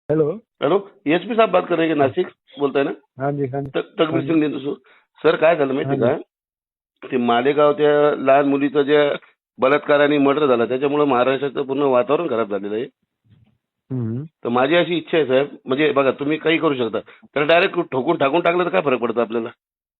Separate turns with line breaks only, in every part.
Hello.
Hello, SP साहब बात कर रहे हैं नाशिक बोलताय ना?
हाँ जी, हाँ जी,
तकबीर
हाँ जी,
सिंग नेतू सर, काय झालं
हाँ
माहिती
जी।
का? ते मालेगाव त्या लहान मुलीचं जे बलात्कार आणि मर्डर झाला त्याच्यामुळे महाराष्ट्राचं पूर्ण वातावरण खराब झालेलं आहे.
हम्म.
तर माझी अशी इच्छा आहे साहेब, म्हणजे बघा तुम्ही काही करू शकता, तर डायरेक्ट ठोकून ठाकून टाकलं तर काय फरक पडतो आपल्याला?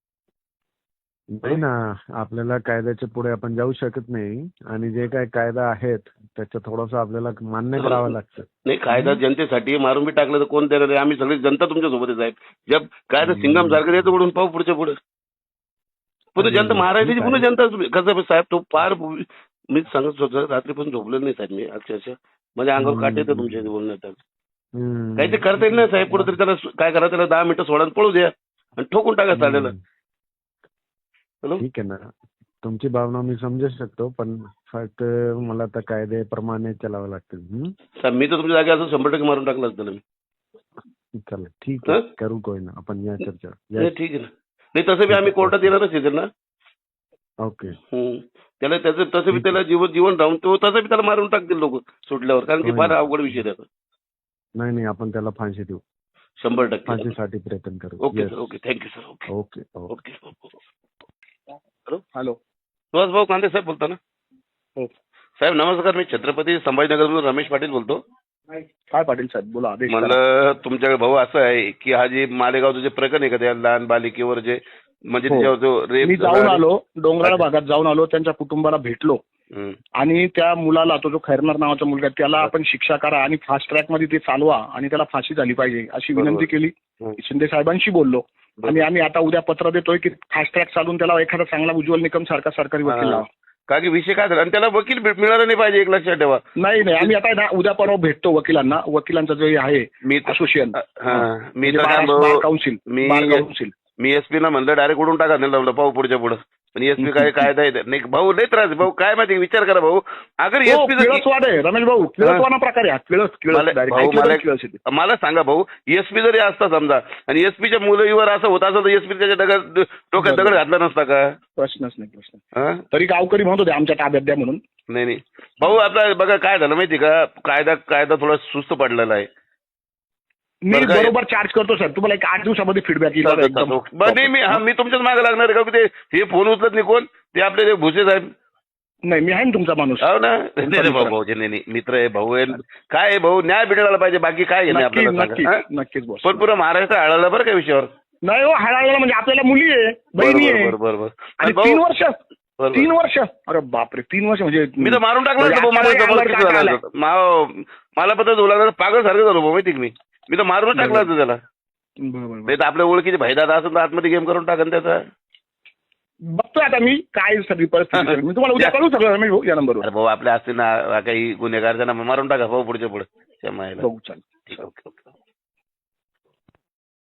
नाही ना, आपल्याला कायद्याच्या पुढे आपण जाऊ शकत नाही आणि जे काही कायदा आहेत त्याचं थोडंसं आपल्याला मान्य करावं लागतं.
नाही, कायदा जनतेसाठी आहे, मारून बी टाकलं तर कोण देणार आहे? आम्ही सगळी जनता तुमच्या सोबत आहे साहेब. जब कायदा सिंगम सारखं द्यायचं पुढून पाहू पुढच्या पुढे. पुन्हा जनता
अरे
महाराष्ट्राची
ठीक
पुन्हा
आहे.
जनता कसं आहे साहेब, तो फार मी सांगत होतो रात्रीपासून झोपलेलं नाही साहेब मी अक्षरशः. माझ्या अंगावर काटे येतं तुमच्या इथे बोलण्यात. काही ते करता येईल ना साहेब, कुठेतरी त्याला काय करा, त्याला 10 मिनिटं सोडा आणि पळू द्या आणि ठोकून टाका चालेल. हॅलो,
ठीक आहे ना, तुमची भावना मी समजू शकतो, पण फक्त मला तर कायद्याप्रमाणे चालावं लागतं.
साहेब मी तर तुमच्या जागी असं 100% मारून टाकलं असतं ना मी.
चला ठीक आहे, करू कोई ना आपण या चर्चा.
नाही ठीक आहे ना. नाही तसं बी आम्ही कोर्टात येणारच आहे ना.
ओके.
त्याला त्याचं तसं बी त्याला जीवन राहून तो तसं बी त्याला मारून टाकतील लोक सुटल्यावर, कारण की फार अवघड विषय त्याचा.
नाही नाही, आपण त्याला फाशी देऊ.
100%
फाशीसाठी प्रयत्न करू.
Okay sir, okay, thank you sir. Okay
okay.
Okay. Hello,
hello.
Suhas भाऊ कांदे साहेब बोलता ना?
हो.
साहेब नमस्कार, मी छत्रपती संभाजीनगरमधून रमेश पाटील बोलतो.
काय पाटील साहेब बोला, आदेश करा.
म्हणलं तुमच्याकडे भाऊ असं आहे की हा जे मालेगावचं जे प्रकरण आहे का त्या लहान बालिकेवर जे म्हणजे
हो.
त्याच्यावर जो
मी
रेप
जाऊन आलो, डोंगराळ भागात जाऊन आलो, त्यांच्या कुटुंबाला भेटलो आणि त्या मुलाला, तो जो खैरनार नावाचा मुलगा आहे, त्याला आपण शिक्षा करा आणि फास्ट ट्रॅक मध्ये ते चालवा आणि त्याला फाशी झाली पाहिजे अशी विनंती केली. शिंदे साहेबांशी बोललो आणि आम्ही आता उद्या पत्र देतोय की फास्ट ट्रॅक चालून त्याला एखादा चांगला उज्ज्वल निकम सारखा सरकारी वकील लावा.
का की विषय काय झाला आणि त्याला वकील मिळाला नाही पाहिजे, एक लक्षात ठेवा.
नाही आम्ही आता ना उद्या परवा भेटतो वकिलांना, वकिलांचं जे आहे असोसिएशन,
मी तर
काउन्सिल.
मी एसपी ना म्हणलं डायरेक्ट उडून टाका नाही पाहू पुढच्या पुढे. पण एसपी काय कायदा येत नाही भाऊ, लय त्रास भाऊ. काय माहिती, विचार करा भाऊ, अगर एसपी
रमेश भाऊ किळसवाना प्रकार आहे.
मला सांगा भाऊ, एसपी जरी असता समजा आणि एसपीच्या मुलीवर असं होत असं तर एसपी त्याच्या डोक्यात दगड घातला नसता का?
प्रश्नच नाही. तरी गावकरी म्हणत होते आमच्या ताब्यात द्या म्हणून.
नाही भाऊ, आपला बघा काय झालं माहिती का, कायदा थोडा सुस्त पडलेला आहे.
मी बरोबर चार्ज करतो सर, तुम्हाला एक 8 दिवसामध्ये फीडबॅक येईल.
मी तुमच्याच मागे लागणार आहे का? ते हे फोन उचलत नाही कोण, ते आपले ते भुसे साहेब.
नाही मी आहे ना तुमचा माणूस.
हो ना. भाऊ नाही मित्र आहे भाऊ आहे. काय आहे भाऊ, न्याय भेटायला पाहिजे, बाकी काय नाही आपल्याला.
नक्कीच बोल.
पण पुरा महाराष्ट्र आळाला बरं का विषयावर.
नाही हो, हळाळला म्हणजे आपल्याला मुली आहे, बहिणी आहे.
बरोबर.
आणि 3 वर्ष 3 वर्ष, अरे बापरे, 3 वर्ष म्हणजे
मी तर मारून टाकलं. मला पत्र झोला पागल सारखं झालो भाऊ, माहिती मी तर मारून टाकलं होतं त्याला. नाही तर आपल्या ओळखीचे भाईदादा असेल तर आतमध्ये गेम करून टाकन त्याचा.
बघतोय आता मी काय सगळी परिस्थिती. मी तुम्हाला उद्या कळू सगळं रमेश भाऊ या नंबरवर.
भाऊ आपल्या असतील ना काही गुन्हेगार त्यांना मारून टाका भाऊ पुढच्या पुढे.
बघू चालेल.
ओके.